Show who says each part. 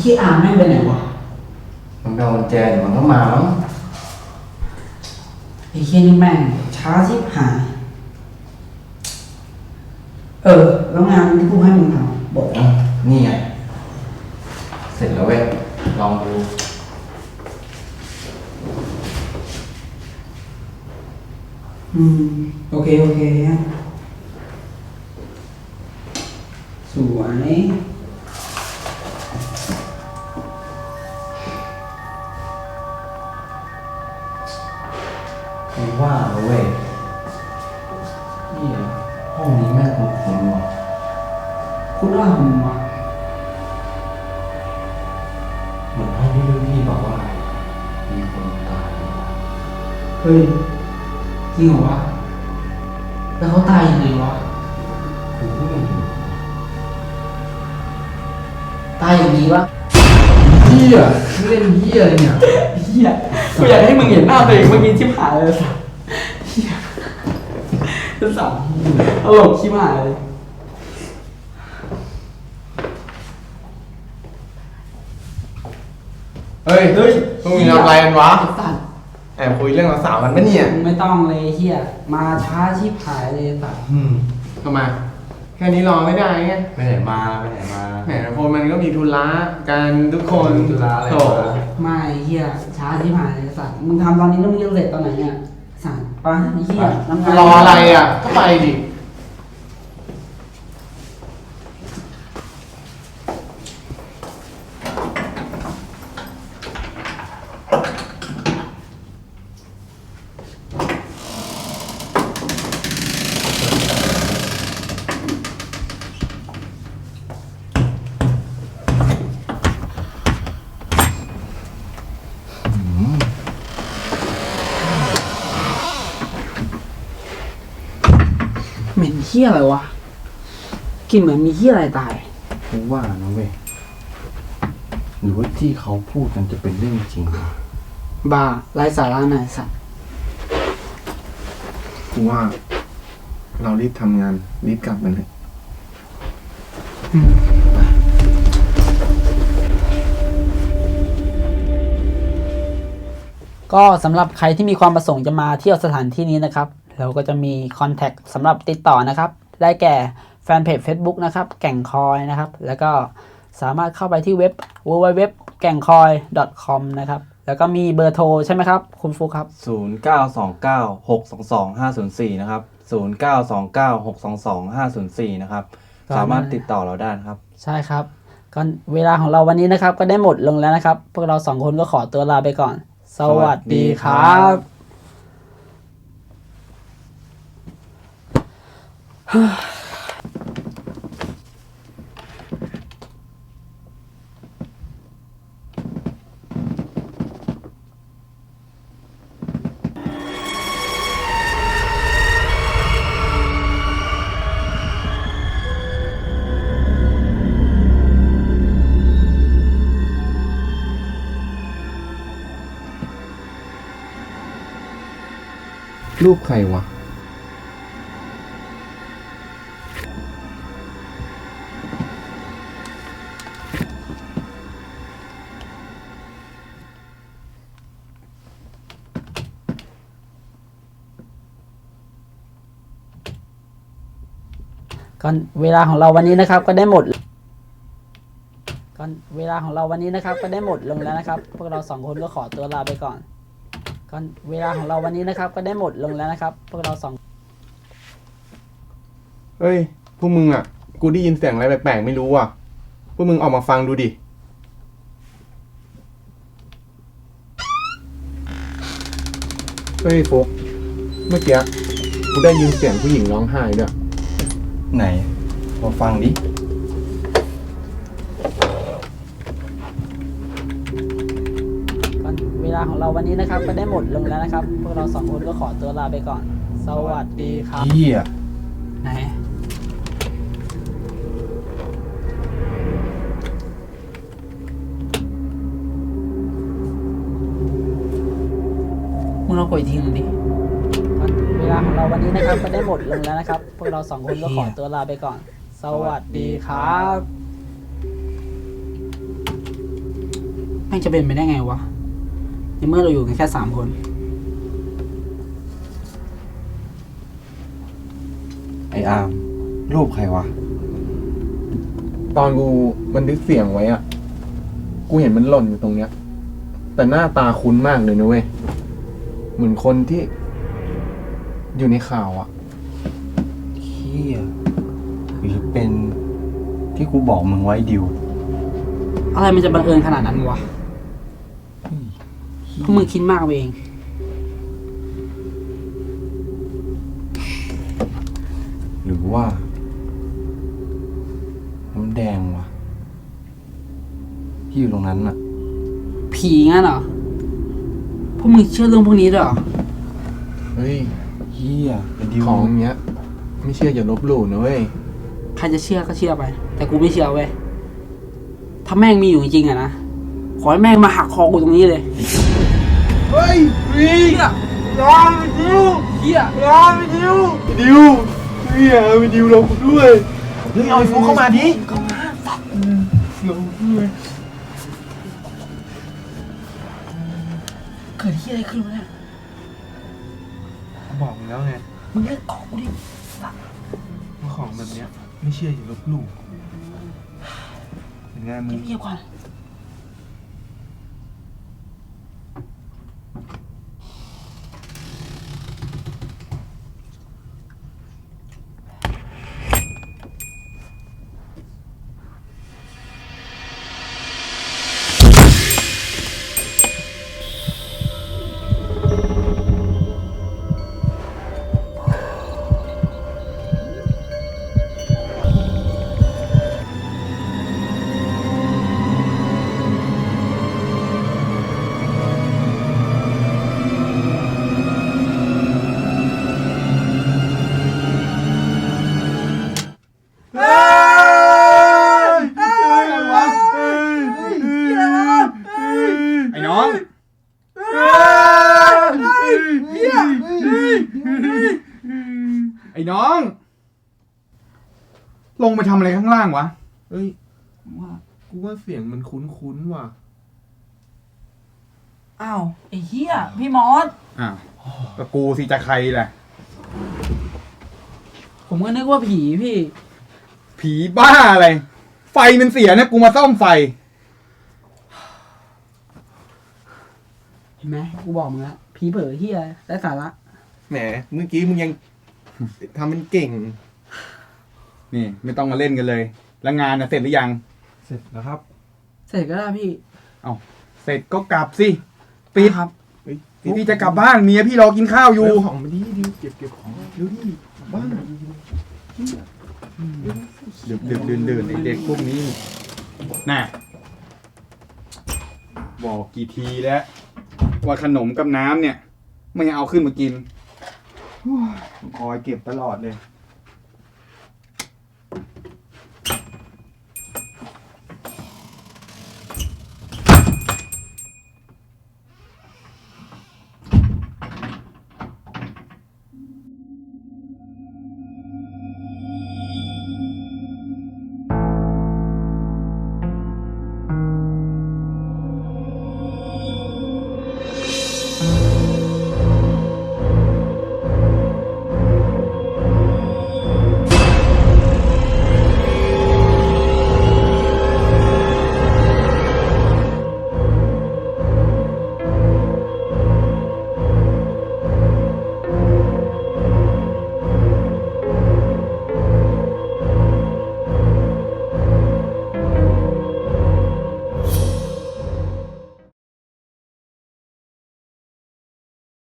Speaker 1: ขี้อาแม่งไปไหนวะ
Speaker 2: มันเอากุญแจมันก็มาแล้ว
Speaker 1: ไอ้เหี้ยนี่แม่งช้าชิบหายแล้วงานที่กูให้มึงทำบอก
Speaker 2: นี่ไงเสร็จแล้วเว้ยลองดู
Speaker 1: โอเคสวย
Speaker 2: คือว่าเว้ยนี่ห้องนี้แม่งคุ้นๆว่ะ
Speaker 1: คุณว่ามึงวะ
Speaker 2: เหมือนห้องที่พี่บอกว่ามีคนตาย
Speaker 1: เฮ้ยจริงเหรอวะแล้วเขาตายยังไงวะ
Speaker 2: กูก็ไม่รู้
Speaker 1: ตายอย่างนี้วะ
Speaker 2: เหี้ยไม่เล่นเหี้ยเลยเนี่ย
Speaker 1: เหี้ยกูอยากให้มึงเห็นหน้าตัวเองเมื่อกี้ชิบหายเลยสัสเหี้ยสัสตลกชิบหายเลย
Speaker 2: เฮ้ยพวกมึงทำอะไรกันวะ
Speaker 1: สัส
Speaker 2: แอบคุยเรื่องสาวกันปะเนี่ย
Speaker 1: ไม่ต้องเลยเหี้ยมาช้าชิบหายเลยสัส
Speaker 2: ทำไมแค่นี้รอไม่ได้ไง
Speaker 3: ไปไหนมา
Speaker 2: แหมคนมันก็มีธุระกันทุกคน
Speaker 3: ธุระอะไร
Speaker 1: ไม่เหี้ยช้าชิบหายเลยสัสมึงทำตอนนี้แล้วมึงจะเสร็จตอนไหนเนี่ยสัสปะเหี้ย
Speaker 2: รออะไรอ่ะก็ไปดิ
Speaker 1: เหม็นเหี้ยอะไรวะกลิ่นเหมือนมีเหี้ยอะไรตาย
Speaker 3: ผมว่านะเว้ยหรือว่าที่เขาพูดกันจะเป็นเรื่องจริง
Speaker 1: บ้าไร้สาระหน่อยสัตว์
Speaker 3: กูว่าเรารีบทำงานรีบกลับกันเลย
Speaker 1: ก็สำหรับใครที่มีความประสงค์จะมาเที่ยวสถานที่นี้นะครับเราก็จะมีคอนแทคสำหรับติดต่อนะครับได้แก่แฟนเพจ Facebook นะครับแก่งคอยนะครับแล้วก็สามารถเข้าไปที่เว็บ www.gangkoi.com นะครับแล้วก็มีเบอร์โทรใช่ไหมครับคุณฟุกครับ
Speaker 3: 0929622504นะครับ0929622504นะครับสามารถติดต่อเราได้ครับ
Speaker 1: ใช่ครับก็เวลาของเราวันนี้นะครับก็ได้หมดลงแล้วนะครับพวกเรา2คนก็ขอตัวลาไปก่อนสวัสดีครับ
Speaker 3: รูปใครวะ
Speaker 1: ก็เวลาของเราวันนี้นะครับก็ได้หมดก็เวลาของเราวันนี้นะครับก็ได้หมดลงแล้วนะครับพวกเรา2คนก็ขอตัวลาไปก่อนก็เวลาของเราวันนี้นะครับก็ได้หมดลงแล้วนะครับพวกเรา
Speaker 3: เฮ้ยพวกมึงอ่ะกูได้ยินเสียงอะไรแปลกๆไม่รู้อ่ะพวกมึงออกมาฟังดูดิเฮ้ยโฟกเมื่อกี้กูได้ยินเสียงผู้หญิงร้องไห้ด้วย
Speaker 2: ไหนพอฟังดิ
Speaker 1: เวลาของเราวันนี้นะครับก็ได้หมดลงแล้วนะครับพวกเรา2คนก็ขอตัวลาไปก่อนสวัสดีครับ
Speaker 3: เหี้ย
Speaker 1: ไหนมึงลองกดอีกทีนึงดิเวลาของเราวันนี้นะครับก็ได้หมดลงแล้วนะครับพวกเรา2คนก็ขอตัวลาไปก่อนสวัสดีครับม่งจะเป็นไปได้ไงวะในเมื่อเราอยู่กันแค่3 คน
Speaker 2: ไอ้อาร์มรูปใครวะ
Speaker 3: ตอนกูบันทึกเสียงไว้อะกูเห็นมันหล่นอยู่ตรงเนี้ย แต่หน้าตาคุ้นมากเลยนะเว้ย เหมือนคนที่ อยู่ในข่าวอะ
Speaker 2: เฮียหรือเป็นที่กูบอกมึงไว้ดิว
Speaker 1: อะไรมันจะบังเอิญขนาดนั้นวะพวกมึงคิดมากไปเอง
Speaker 2: หรือว่าน้ำแดงวะที่อยู่ตรงนั้นน่ะ
Speaker 1: ผีงั้นเหรอพวกมึงเชื่อเรื่องพวกนี้ด้วยเหรอ
Speaker 3: เฮ้ย
Speaker 2: เฮียไอ้ดิว
Speaker 3: ของเนี้ย ไม่เชื่ออย่าลบหลู่นะเว้ย
Speaker 1: ใครจะเชื่อก็เชื่อไป แต่กูไม่เชื่อเว้ยถ้าแม่งมีอยู่จริงๆอะนะขอให้แม่งมาหักคอกูตรงนี้เลย
Speaker 3: เฮ้ยเฮียรอไปดิว
Speaker 1: เฮีย
Speaker 3: รอไปดิวดิวเฮียไปดิวเราด้วย
Speaker 2: เฮ้ยเอาไอ้ฟุกเข้ามาดิ
Speaker 1: เกิดที่อะไรขึ้นวะเนี่ย
Speaker 3: บอกมึงแล้วไง
Speaker 1: มึงเลิกเกาะกูดิ
Speaker 3: ว่าของแบบเนี้ย ไม่เชื่ออย่าลบหลู่เป็นไงมึง
Speaker 1: เงียบๆก่อน
Speaker 4: ไอ้น้อง ไอ้น้อง ลงไปทำอะไรข้างล่างวะ
Speaker 3: เฮ้ยกูว่าเสียงมันคุ้นๆว่ะ
Speaker 1: อ้าวไอ้เฮียพี่มอส
Speaker 4: อ้าวก็กูสิจะใครแหละ
Speaker 1: ผมก็นึกว่าผีพี่
Speaker 4: ผีบ้าอะไร ไฟมันเสียนะ กูมาซ่อมไฟ
Speaker 1: เห็นไหมกูบอกมึงแล้วผีเผลอเฮียไร้สาระ
Speaker 3: แหม เมื่อกี้มึงยังทำเป็นเก่ง
Speaker 4: นี่ ไม่ต้องมาเล่นกันเลย แล้วงานน่ะเสร็จหรือยัง
Speaker 3: เสร็จแล้วครับ
Speaker 1: เสร็จก็ได้พี่
Speaker 4: เอาเสร็จก็กลับสิปิด
Speaker 1: ครับ
Speaker 3: เฮ้ย
Speaker 4: พี่จะกลับบ้านเมียพี่รอกินข้าวอยู่
Speaker 3: เร็วของมาดิดิวเก็บของเร็วดิบ้าน
Speaker 4: ดึกดื่นไอเด็กพวกนี้น่ะบอกกี่ทีแล้ว ว่าขนมกับน้ำเนี่ย ไม่เอาขึ้นมากินโอ้ยคอยเก็บตลอดเลย